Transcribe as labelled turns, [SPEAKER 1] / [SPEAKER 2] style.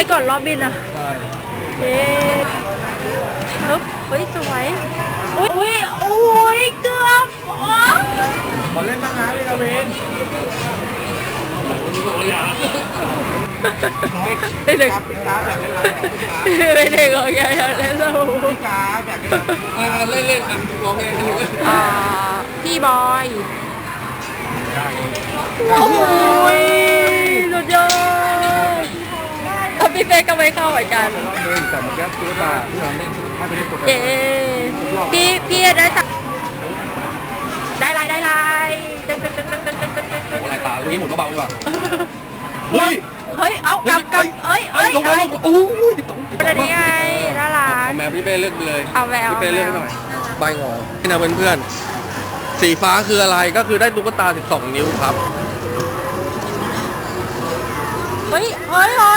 [SPEAKER 1] ก่อนรอบบินอ่ะ
[SPEAKER 2] ใช่
[SPEAKER 1] เย้ฮึบเฮ้ยสวยอุ้ยโอ้ยเกือบอ๋อ
[SPEAKER 2] ขอเล่นบ้างนะพี่กาเวน
[SPEAKER 1] เด็ก
[SPEAKER 2] ครับพี่กาแบบเล่น
[SPEAKER 1] เด็กโอเคเล่นสนุก
[SPEAKER 2] พี่กาแบบเล่นเล่นกันร้องเพลงกันอยู่
[SPEAKER 1] พี่บอยโอ้ยสุดยอดพี่เป๊กก็ไม่เข้าเหมือนกัน
[SPEAKER 2] เล่นแต่เมื่อกี้ตัวตาที่เราเล่นให้ไปเล่นตัว
[SPEAKER 1] เย้พี่ได้สักได้ลายตึ๊ง
[SPEAKER 2] อะไรตาเมื่อกี้หมุนเบาๆดีกว่าเฮ้ย
[SPEAKER 1] เฮ้ยเอากำเอ้ย
[SPEAKER 2] ลงมาโอ้ย
[SPEAKER 1] เป็นยังไงน่ารัก
[SPEAKER 2] แมวพี่เป้เลือกเลย
[SPEAKER 1] เอาแวว
[SPEAKER 2] พี่เป้เลือกหน่อยใบงอนี่นะเพื่อนๆสีฟ้าคืออะไรก็คือได้ตุ๊กตา12 นิ้วครับ
[SPEAKER 1] เฮ้ย